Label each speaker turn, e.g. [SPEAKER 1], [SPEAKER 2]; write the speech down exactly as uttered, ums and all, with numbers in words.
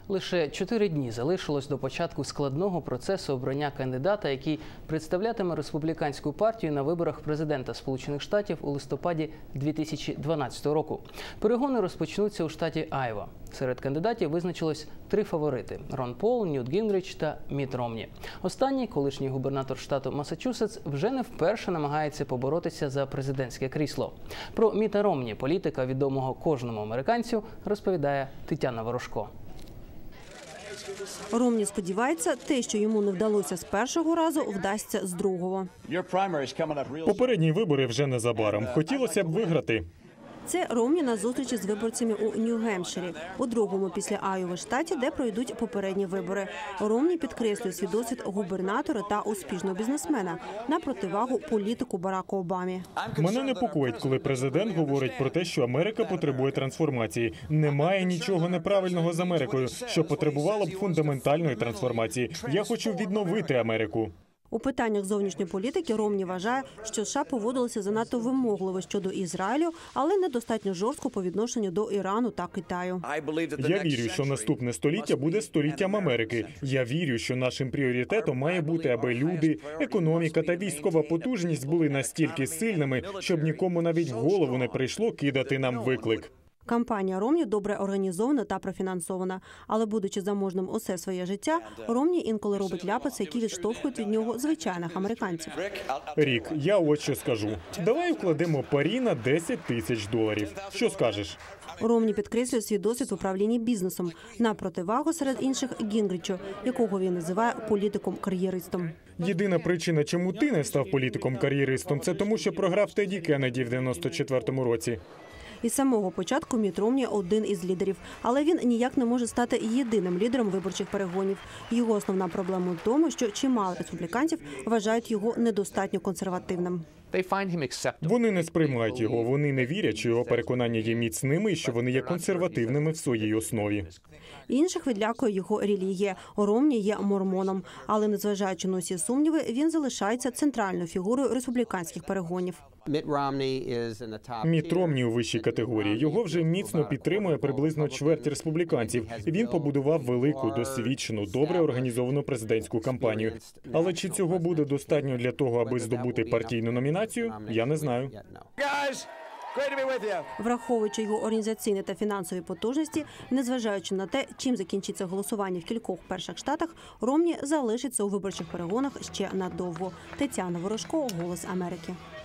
[SPEAKER 1] Лише чотири дні залишилось до початку складного процесу обрання кандидата, який представлятиме республіканську партію на виборах президента Сполучених Штатів у листопаді дві тисячі дванадцятого року. Перегони розпочнуться у штаті Айова. Серед кандидатів визначилось три фаворити – Рон Пол, Ньют Гінгріч та Мітт Ромні. Останній, колишній губернатор штату Массачусетс, вже не вперше намагається поборотися за президентське крісло. Про Мітта Ромні, політика, відомого кожному американцю, розповідає Тетяна Ворожко.
[SPEAKER 2] Ромні сподівається, те, що йому не вдалося з першого разу, вдасться з другого.
[SPEAKER 3] Попередні вибори вже незабаром. Хотілося б виграти.
[SPEAKER 2] Це Ромні на зустрічі з виборцями у Нью-Гемпширі, у другому після Айови штаті, де пройдуть попередні вибори. Ромні підкреслює свій досвід губернатора та успішного бізнесмена на противагу політику Бараку Обамі.
[SPEAKER 3] Мене непокоїть, коли президент говорить про те, що Америка потребує трансформації. Немає нічого неправильного з Америкою, що потребувало б фундаментальної трансформації. Я хочу відновити Америку.
[SPEAKER 2] У питаннях зовнішньої політики Ромні вважає, що США поводилися занадто вимогливо щодо Ізраїлю, але недостатньо жорстко по відношенню до Ірану та Китаю.
[SPEAKER 3] Я вірю, що наступне століття буде століттям Америки. Я вірю, що нашим пріоритетом має бути, аби люди, економіка та військова потужність були настільки сильними, щоб нікому навіть в голову не прийшло кидати нам виклик.
[SPEAKER 2] Кампанія Ромні добре організована та профінансована. Але, будучи заможним усе своє життя, Ромні інколи робить ляписи, які відштовхують від нього звичайних американців.
[SPEAKER 3] Рік, я от що скажу. Давай вкладемо парі на десять тисяч доларів. Що скажеш?
[SPEAKER 2] Ромні підкреслює свій досвід в управлінні бізнесом, на противагу серед інших Гінгрічу, якого він називає політиком-кар'єристом.
[SPEAKER 3] Єдина причина, чому ти не став політиком-кар'єристом, це тому, що програв Теді Кеннеді в дев'яносто четвертому році.
[SPEAKER 2] Із самого початку Мітт Ромні – один із лідерів. Але він ніяк не може стати єдиним лідером виборчих перегонів. Його основна проблема в тому, що чимало республіканців вважають його недостатньо консервативним.
[SPEAKER 3] Вони не сприймають його, вони не вірять, що його переконання є міцними і що вони є консервативними в своїй основі.
[SPEAKER 2] Інших відлякує його релігія. Ромні є мормоном. Але, незважаючи на усі сумніви, він залишається центральною фігурою республіканських перегонів.
[SPEAKER 3] Мітт Ромні у вищій категорії. Його вже міцно підтримує приблизно чверть республіканців. Він побудував велику, досвідчену, добре організовану президентську кампанію. Але чи цього буде достатньо для того, аби здобути партійну номінацію, я не знаю.
[SPEAKER 2] Враховуючи його організаційні та фінансові потужності, незважаючи на те, чим закінчиться голосування в кількох перших штатах, Ромні залишиться у виборчих перегонах ще надовго. Тетяна Ворожко, «Голос Америки».